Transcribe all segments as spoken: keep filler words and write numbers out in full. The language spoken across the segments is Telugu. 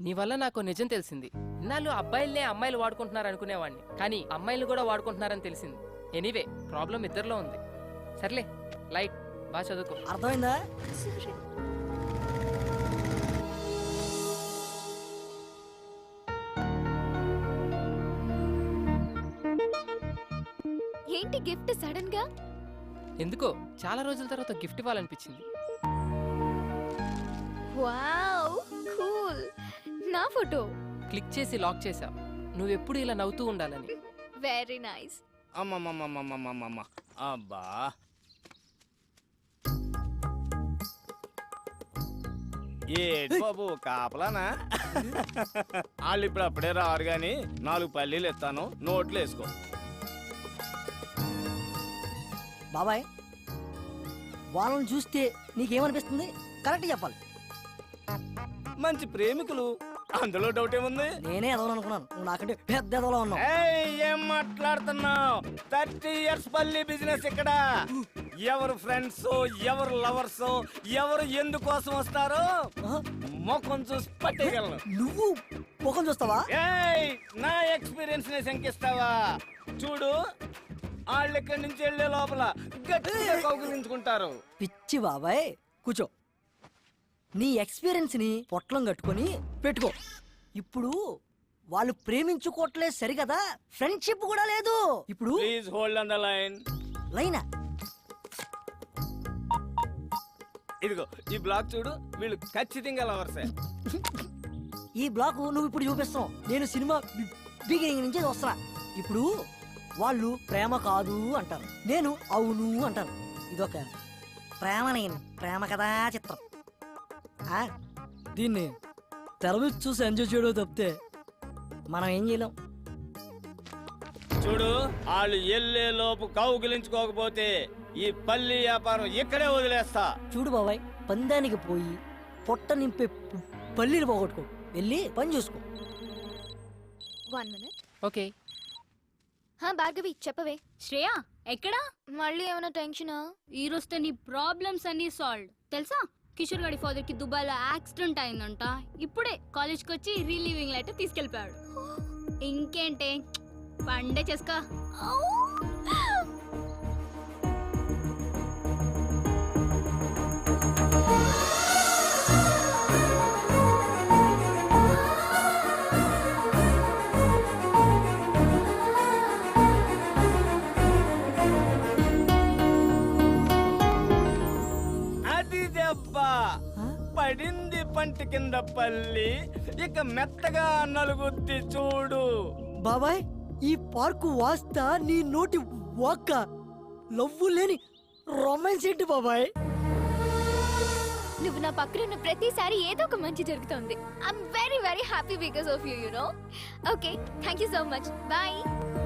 నీ వల్ల నాకు నిజం తెలిసింది. ఇన్నాళ్ళు అబ్బాయిలనే అమ్మాయిలు వాడుకుంటున్నారు అనుకునేవాడిని, కానీ అమ్మాయిలు కూడా వాడుకుంటున్నారని తెలిసింది. ఎనీవే ప్రాబ్లం ఇద్దరిలో ఉంది. సర్లే లైట్, బాగా చదువుకో. అర్థమైందా? ఏంటి గిఫ్ట్ సడన్ గా? ఎందుకో చాలా రోజుల తర్వాత గిఫ్ట్ ఇవ్వాలనిపించింది. Wow cool. నా ఫోటో క్లిక్ చేసి లాక్ చేసా, నువ్వెప్పుడు ఇలా నవ్వుతూ ఉండాలని. Very nice. అమ్మమ్మమ్మమ్మమ్మమ్మమ్మ అబ్బా, ఏ బాబు కాపలానా? వాళ్ళు ఇప్పుడు అప్పుడే రారు గాని నాలుగు పల్లీలు ఇస్తాను, నోట్లు వేసుకో. బాబాయ్, వాళ్ళని చూస్తే నీకేమనిపిస్తుంది? కరెక్ట్ చెప్పాలి. మంచి ప్రేమికులు, అందులో డౌట్ ఏముంది? నేనే ఎదవను అనుకున్నాను, నువ్వు నాకంటే పెద్ద ఎదవలో ఉన్నావు. ఏయ్, ఏం మాట్లాడుతున్నావు? థర్టీ ఇయర్స్ పల్లి బిజినెస్ ఇక్కడ. ఎవరు ఫ్రెండ్స్, ఎవరు లవర్స్, ఎవరు ఎందుకోసం వస్తారో ముఖం చూసి పట్టేయగలను. నువ్వు ముఖం చూస్తావా? ఏయ్, నా ఎక్స్పీరియన్స్ ని శంకిస్తావా? చూడు, వాళ్ళు ఇక్కడి నుంచి వెళ్లే లోపల గట్టిగా కౌగిలించుకుంటారు. పిచ్చి బాబాయ్, కూర్చో. నీ ఎక్స్పీరియన్స్ ని పొట్లం కట్టుకొని పెట్టుకో. ఇప్పుడు వాళ్ళు ప్రేమించుకోవట్లేదు సరికదా, ఫ్రెండ్షిప్ కూడా లేదు. ఇప్పుడు please hold on the line. లైనా? ఇదిగో ఈ బ్లాక్ చూడు, వీళ్ళు ఖచ్చితంగా లవర్సే. ఈ బ్లాక్ నువ్వు ఇప్పుడు చూపిస్తావు, నేను సినిమా బిగినింగ్ నుంచి వస్తున్నా. ఇప్పుడు వాళ్ళు ప్రేమ కాదు అంటారు, నేను అవును అంటాను. ఇదొక ప్రేమ, నేను ప్రేమ కథా చిత్రం. ఆ, దీన్ని తెర మీద చూసి ఎంజాయ్ చేయడం తప్పితే మనం ఏం చేయలేం. చూడు, వాళ్ళు ఎల్లే లోపు కౌగిలించుకోకపోతే ఈ పల్లి వ్యాపారం ఇక్కడే వదిలేస్తా. చూడు బాబాయ్, పందానికి పోయి పొట్ట నింపే పల్లీలు పోగొట్టుకో, వెళ్ళి పని చూసుకో. One minute. ఓకే. హా భార్గవి, చెప్పవే. శ్రేయ ఎక్కడా? మళ్ళీ ఏమైనా టెన్షనా? ఈ రోజుతో నీ ప్రాబ్లమ్స్ అన్ని సాల్వ్. తెలుసా, కిషోర్ గారి ఫాదర్ కి దుబాయ్ లో యాక్సిడెంట్ అయిందంట. ఇప్పుడే కాలేజ్ కి వచ్చి రిలీవింగ్ లెటర్ తీసుకెళ్ళిపోయాడు. ఇంకేంటే, పండే చేసుకో. పడింది పంటి కింద పల్లి, ఇక మెత్తగా నలుగుద్ది చూడు. బాబాయ్, ఈ పార్కు వాస్తా నీ నోటి వాక్క లవ్వు లేని రొమాన్స్ ఏంటి బాబాయ్? నువ్వు నా పక్కన ఉన్న ప్రతిసారి ఏదో ఒక మంచి జరుగుతుంది. I'm very very happy because of you, you know. Okay, thank you so much. Bye.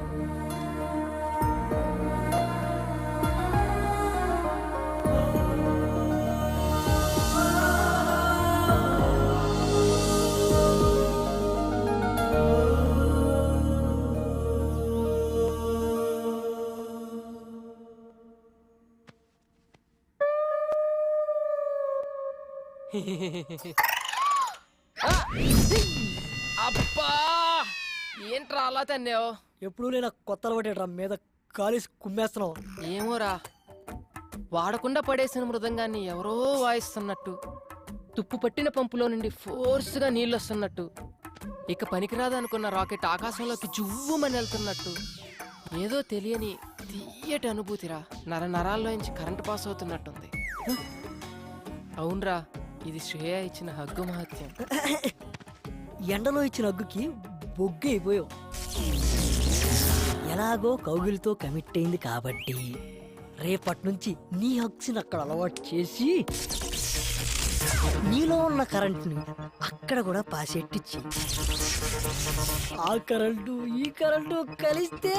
అబ్బా, ఏంట్రా అలా తన్నావు? ఎప్పుడు నేను కొత్త అలవాటేట్రా మీద కాలేసి కుమ్మేస్తున్నావు. ఏమోరా, వాడకుండా పడేసిన మృదంగాన్ని ఎవరో వాయిస్తున్నట్టు, తుప్పు పట్టిన పంపులో నుండి ఫోర్స్గా నీళ్ళు వస్తున్నట్టు, ఇక పనికిరాదనుకున్న రాకెట్ ఆకాశంలోకి జువ్వుమని వెళ్తున్నట్టు, ఏదో తెలియని తీయటి అనుభూతిరా. నర నరాల్లోంచి కరెంటు పాస్ అవుతున్నట్టుంది. అవునరా, ఇది శ్రేయ ఇచ్చిన హగ్గు మహత్యం. ఎండలో ఇచ్చిన హగ్గుకి బొగ్గు అయిపోయావు. ఎలాగో కౌగిలితో కమిట్ అయింది కాబట్టి రేపటి నుంచి నీ హగ్స్ని అక్కడ అలవాటు చేసి నీలో ఉన్న కరెంట్ని అక్కడ కూడా పాసెట్టిచ్చి, ఆ కరెంటు ఈ కరెంటు కలిస్తే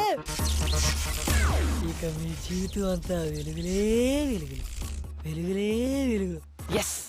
ఇక మీ జీవితం అంతా వెలుగులే వెలుగులు, వెలుగులే వెలుగులు. ఎస్,